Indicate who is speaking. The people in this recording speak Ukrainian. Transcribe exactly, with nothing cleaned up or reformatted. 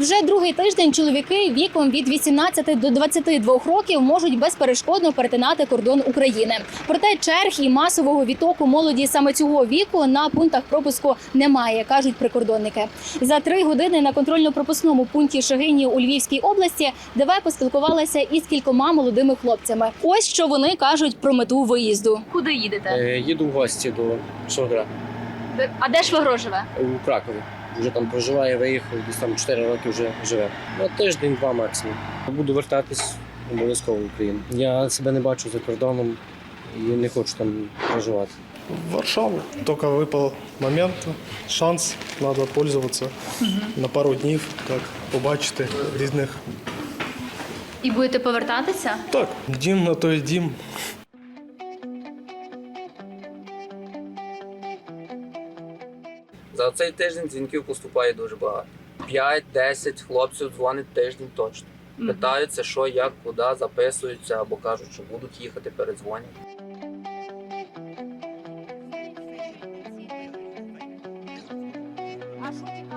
Speaker 1: Уже другий тиждень чоловіки віком від вісімнадцяти до двадцяти двох років можуть безперешкодно перетинати кордон України. Проте черг і масового відтоку молоді саме цього віку на пунктах пропуску немає, кажуть прикордонники. За три години на контрольно-пропускному пункті Шегині у Львівській області ДВ поспілкувалася із кількома молодими хлопцями. Ось що вони кажуть про мету виїзду. Куди їдете?
Speaker 2: Е, Їду в гості до Шогра
Speaker 1: А де ж ви живе?
Speaker 2: у Кракові. Вже там проживає, виїхав, десь там чотири роки вже живе. Ну, тиждень-два максимум. Буду вертатись обов'язково в Україну. Я себе не бачу за кордоном і не хочу там проживати.
Speaker 3: В Варшаву. Только выпал момент, шанс, надо пользоваться. Угу. На пару днів, так, побачити різних.
Speaker 1: І будете повертатися?
Speaker 3: Так, дім на той дім.
Speaker 4: За цей тиждень дзвінків поступає дуже багато. п'ять-десять хлопців дзвонить тиждень точно. Питаються, що, як, куди, записуються або кажуть, що будуть їхати, передзвонять.
Speaker 5: А що